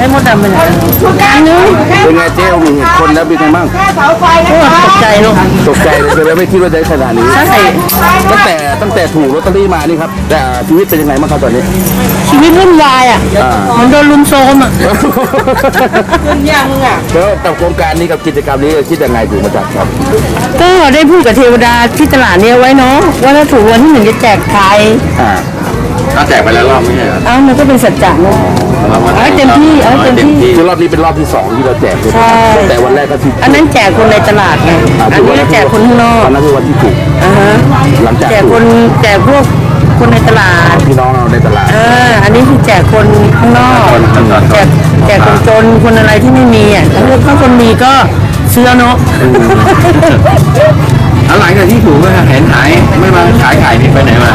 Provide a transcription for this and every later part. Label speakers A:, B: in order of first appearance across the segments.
A: มดดำไปไหนนึง
B: เป็นไงเจ๊มีเห็นคนแล้วเป็นไงบ้าง
A: ตกใจลูก
B: ตกใจเลยไม่คิดว่าจะขนาดนี้
A: ใช่
B: ตั้งแต่ถูกลอตเตอรี่มานี่ครับแต่ชีวิตเป็นยังไงบ้างครับตอนนี้
A: ชีวิตวุ่นวายเหมือนโดนลุมโซมขึ้นยัง
B: แล้วกับโครงการนี้กับกิจกรรมนี้คิดยังไงถึงมาจัดครับ
A: ก็ได้พูดกับเทวดาที่ตลาดนี้ไว้เนาะว่าถ้าถูกวันที่1จะแจกใคร
B: ถ้าแจกไปแล้วรอบไม่ใช่เหรอ
A: มันก็เป็นสัจจะเนาะเต็มที่
B: คือรอบนี้เป็นรอบที่2ที่เราแจกใช่แต่วันแรกก็ที่
A: อันนั้นแจกคนในตลาดไงอันนี้แจกคนข้างนอก
B: อันนั้นคือวันที่ถูกหลังจาก
A: แจกพวกคนในตลาด
B: พี่น้องเราในตลาด
A: อันนี้คือแจกคนข้างนอกแจกคนจนคนอะไรที่ไม่มีถ้าคนมีก็ซื้อเนาะ
B: หลังจากที่ถูกก็เห็นหายไม่มาขายนี่ไปไหนมา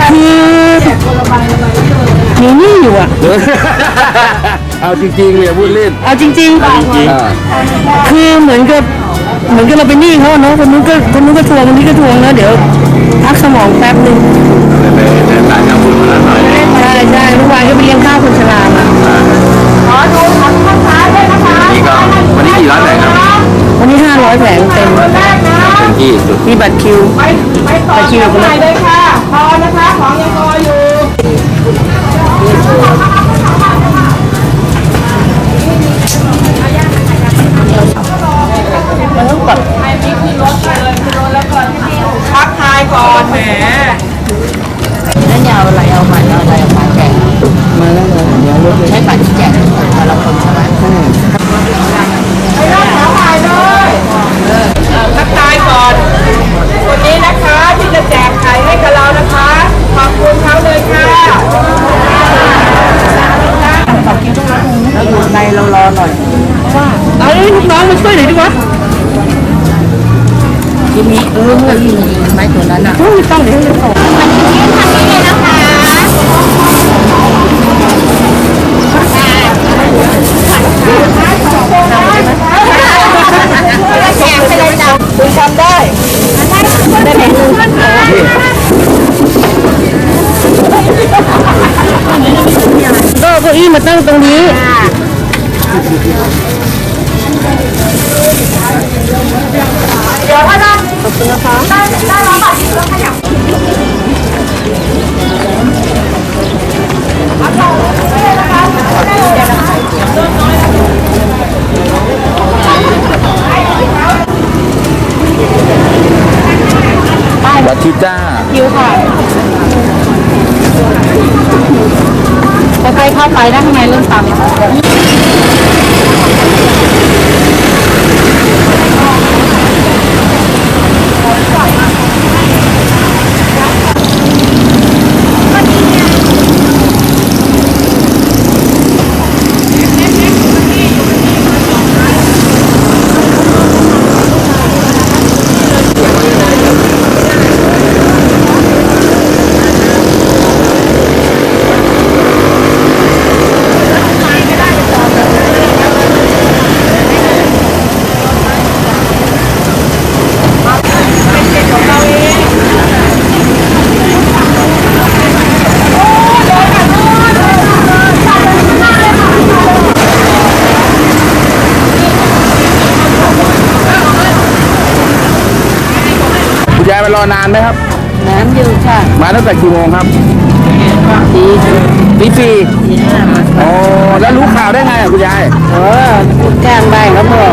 A: มีนี่อยู่
B: เอาจริงๆเลยพูดเล่น
A: เอาจริงคือเหมือนกับเราไปหนี้เขาเนาะคนนู้นก็ทวงคนนี้ก็ทวงนะเดี๋ยวพักสมองแป๊บนึง
B: ไปต่างจังหวัดมาหน่อย
A: ใช่เมื่อวานก็ไปเลี้ยงข้าวคนชรามา
B: ขอดูทำข้าวขาด้วยนะคะวันนี้กี่ร้อยแผงครับ
A: วันนี้500แผงเต็ม
B: ที่สุด
A: มีบัตรคิว
C: บัตรคิวเลยค่ะพอนะคะของยังพออยู่
A: มันต้องแบบ
C: ให้พี่ขึ้นรถเลยขึ้นรถแล้วก่อนพักทายก่อนแหม
A: แล้วยาวอะไรเอาใหม่แจกมาแล้วเลยเดี๋ยวใช้บัตรแจกแต่ละคนใช่ไหม
C: ไปรอบขายเลยพักทายก่อนคนนี้นะคะที่จะแจกไข่ให้กับเรานะคะขอบคุณเขาเลยค่ะ
A: แล้วอยู่ในเรารอหน่อยว่าเอาลูกน้องมาช่วยหน่อยดีกว่าทีนี้เมื่อยิงไม้ตัวนั้นไม่ต้องเดี๋ยวจะส่ง
C: ทำนี้เลยนะคะแจกไปเลยจ้ะคุณทำได้ได้ไหม
A: ก็เก้าอี้มาตั้งตรงนี้
C: เดี๋ยวถ้าได้ขอบคุณนะคะได้ร้อยบาทที่เราขยับ
B: วัดทิจ้า
A: คิวค่ะพอใครเข้าไปได้ข้างในเริ่มต่ำ
B: ยายมารอนานไหมครับ
A: น้ำอยู่ค่ะ
B: มาตั้งแต่กี่โมงครับตีสี่อ๋อแล้วรู้ข่าวได้ไงคุณยาย
A: แจ้งได้แล้วบอก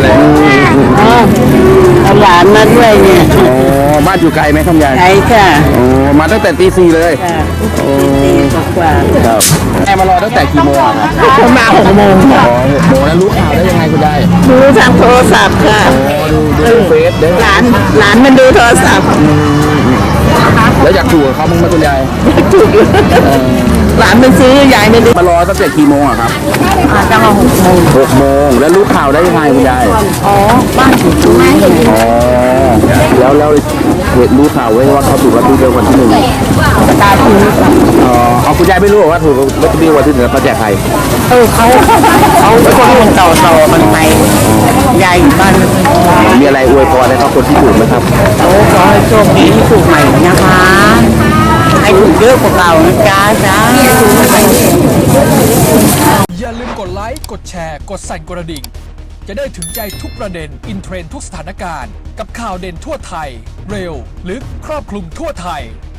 A: เอาหลานมาด้วยเนี่ย
B: อ๋อบ้านอยู่ไกลไหมครับยาย
A: ไกลค่ะ
B: อ๋อมาตั้งแต่ตีสี่เลย
A: ตีกว่า
B: ครับแม่มารอตั้งแต่กี่โมง
A: ครับมา6 โมง
B: อ๋อ6 โมงแล้วรู้ข่าวได้ยังไงคุณยาย
A: ดูทางโทรศัพท์ค่ะ
B: ดูเฟซได้
A: หลานมันดูโทรศัพท์
B: แล้วอยากถูกเขาบ้างไหมคุณยาย
A: ถูกหลานมันซื้อยายไม่ได้
B: มารอตั้งแต่กี่โมงครับ
A: จะมา
B: 6 โมงแล้วรู้ข่าวได้ยังไงคุณยาย
A: บ้านถูกไหม
B: แล้วรู้ข่าวไว้ว่าเขาถูกลอตเตอรี่วันที่1
A: ตาถูก
B: เอาคุณยายไม่รู้ว่าถูกลอตเตอรี่วันที่1เขาแจกใคร
A: เขาคนต่อมันไปยายอยู่บ้าน
B: มีอะไรอวยพรให้เขาคนที่ถูกไหมครับ
A: ขอให้โชคดีที่ถูกใหม่นะคะให้ถูกเยอะกว่าเก่านะจ๊ะ
D: กดไลค์ กดแชร์ กดสั่นกระดิ่งจะได้ถึงใจทุกประเด็นอินเทรนด์ทุกสถานการณ์กับข่าวเด่นทั่วไทย เร็ว ลึก ครอบคลุมทั่วไทย